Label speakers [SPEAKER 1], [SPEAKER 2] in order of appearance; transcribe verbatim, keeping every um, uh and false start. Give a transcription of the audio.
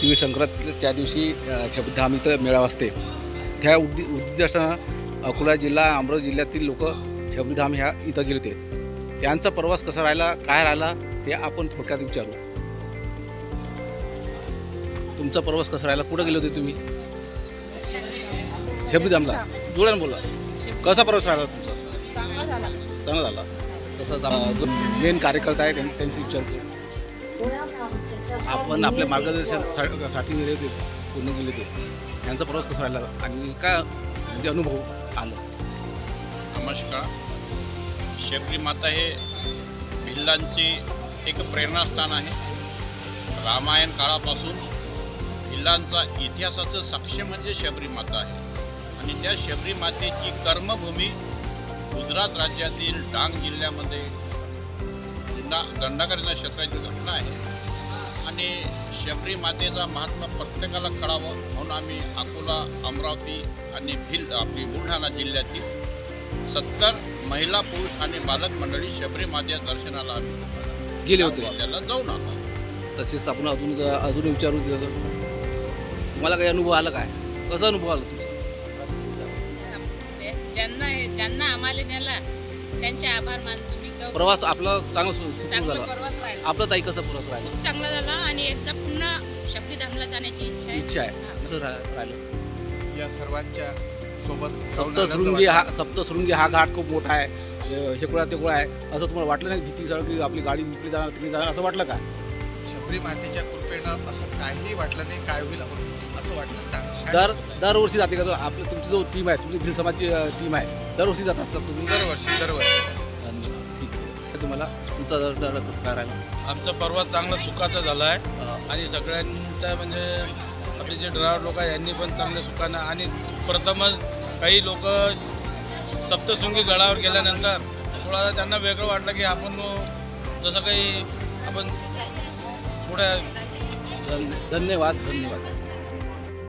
[SPEAKER 1] तिळ संक्रांतीच्या दिवशी शबरीधाम इथं मेळावा असते. त्या उद्दि उद्दिष्टानं अकोला जिल्हा अमरावती जिल्ह्यातील लोक शबरीधाम ह्या इथं गेले होते. त्यांचा प्रवास कसा राहिला, काय राहिला ते आपण थोडक्यात विचारू. तुमचा प्रवास कसा राहिला, कुठं गेले होते तुम्ही? शबरीधामला. जोड्यानं बोला. कसा प्रवास राहिला तुमचा?
[SPEAKER 2] चांगला झाला.
[SPEAKER 1] चांगला झाला. तसंच जो मेन कार्यकर्ता आहे त्यांनी त्यांची विचारतो. आपण आपल्या मार्गदर्शनासाठी गेले होते, पूर्ण गेले होते. त्यांचा प्रवास कसा राहिला आणि काय म्हणजे अनुभव आला?
[SPEAKER 3] नमस्कार. शबरी माता हे भिल्लांचे एक प्रेरणास्थान आहे. रामायण काळापासून भिल्लांचा इतिहासाचं साक्ष म्हणजे शबरी माता आहे आणि त्या शबरी मातेची कर्मभूमी गुजरात राज्यातील डांग जिल्ह्यामध्ये दंडा दंडाकरीच्या क्षेत्राची घटना आहे आणि शबरी मातेचा महात्मा प्रत्येकाला कळावं म्हणून आम्ही अकोला, अमरावती आणि भिल आपली बुलढाणा जिल्ह्यातील सत्तर महिला, पुरुष आणि बालक मंडळी शबरी मातेच्या दर्शनाला आम्ही
[SPEAKER 1] गेले होते.
[SPEAKER 3] त्याला जाऊन आलो.
[SPEAKER 1] तसेच आपण अजून अजून विचारू तुम्हाला काही अनुभव आला, काय कसा अनुभव आला तुमचा?
[SPEAKER 2] ज्यांना ज्यांना आम्हाला नेला त्यांचे आभार मानतो मी.
[SPEAKER 1] प्रवास आपला चांगला सुरू
[SPEAKER 2] चांगला
[SPEAKER 1] झाला.
[SPEAKER 2] प्रवास राहिला.
[SPEAKER 1] आपला ताई कसा प्रवास राहिला?
[SPEAKER 2] खूप चांगला झाला आणि एकदा पुन्हा शबरीधामला जाण्याची इच्छा आहे.
[SPEAKER 1] इच्छा आहे. कसं रा- राहिलं?
[SPEAKER 3] या सर्वांच्या सोबत
[SPEAKER 1] सप्तशृंगी हा सप्तशृंगी हा घाट खूप मोठा आहे. हे कुळा ते कुळा आहे असं तुम्हाला वाटलं नाही? भीती सगळं की आपली गाडी विकली जाणार, तिकडे जाणार असं वाटलं का?
[SPEAKER 4] शबरी मातेच्या कृपेनं असं काहीही वाटलं नाही. काय होईल असं वाटलं.
[SPEAKER 1] दर दरवर्षी जाते का? जो आपलं तुमची जो टीम आहे, तुमची भिल समाजची टीम आहे, दरवर्षी जातात का तुम्ही?
[SPEAKER 4] दरवर्षी दरवर्षी
[SPEAKER 1] ठीक आहे. तुम्हाला तुमचा दर दर कसं काय राहिला?
[SPEAKER 5] आमचा प्रवास चांगला सुखाचा झाला आहे आणि सगळ्यांचा म्हणजे आपले जे ड्रायव्हर लोक आहे यांनी पण चांगल्या सुखानं आणि प्रथमच काही लोक सप्तशृंगी गडावर गेल्यानंतर थोडा त्यांना वेगळं वाटलं की आपण जसं काही आपण पुढे
[SPEAKER 1] धन्यवाद धन्यवाद.